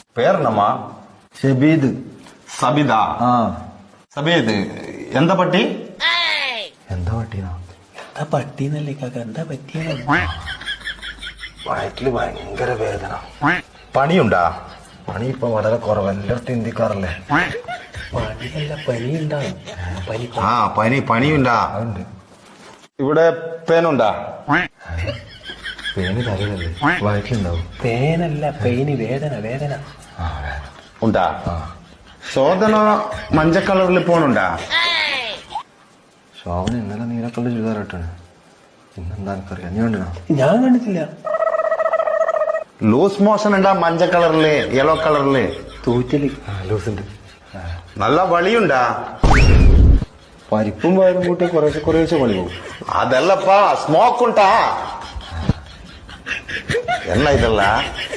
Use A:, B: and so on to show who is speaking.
A: പേരെന്നമ്മാ?
B: ഷബീദ്.
A: സബിതാ?
B: ആ.
A: സബീദ് എന്താ പട്ടി?
B: എന്താ പട്ടീനാ?
C: എന്താ പട്ടീന്നല്ലേ കാക്ക, എന്താ പറ്റിയ?
B: വയറ്റില് ഭയങ്കര വേദന.
A: പണിയുണ്ടാ?
B: പണി ഇപ്പൊ വളരെ കുറവ്, എല്ലായിടത്തും ഇന്ത്യക്കാറല്ലേ.
C: പണിയല്ല, പനി ഉണ്ടാവും. പനി
A: ആ പണിയുണ്ടാ?
B: അതുണ്ട്.
A: ഇവിടെ പേനുണ്ടാ?
B: പേന് തലയിലല്ലേ, വയറ്റിലുണ്ടാവും.
C: പേനല്ല, പെയിന്, വേദന വേദന.
B: ആ വേദന.
A: ഉണ്ടാ?
B: ആ.
A: ശോധന മഞ്ഞ കളറിൽ പോണുണ്ടാ?
B: ശോഭന ഇന്നലെ നീലക്കള്ള ചുരിദാറിട്ടാണ്. ഇന്നെന്താ എനിക്കറിയാം, നീ കണ്ടിനാ?
C: ഞാൻ കണ്ടിട്ടില്ല.
A: ലൂസ് മോഷൻ ഉണ്ടാ? മഞ്ഞ കളറില്, യെല്ലോ കളറില്
C: തൂറ്റല്.
B: ലൂസുണ്ട്.
A: നല്ല വളിയുണ്ടാ?
B: പരിപ്പും വയറും കൂട്ടി കുറേശ്ശെ പണി പോകും.
A: അതല്ലപ്പാ, സ്മോക്ക് ഉണ്ടാ? என்ன இதெல்லாம்?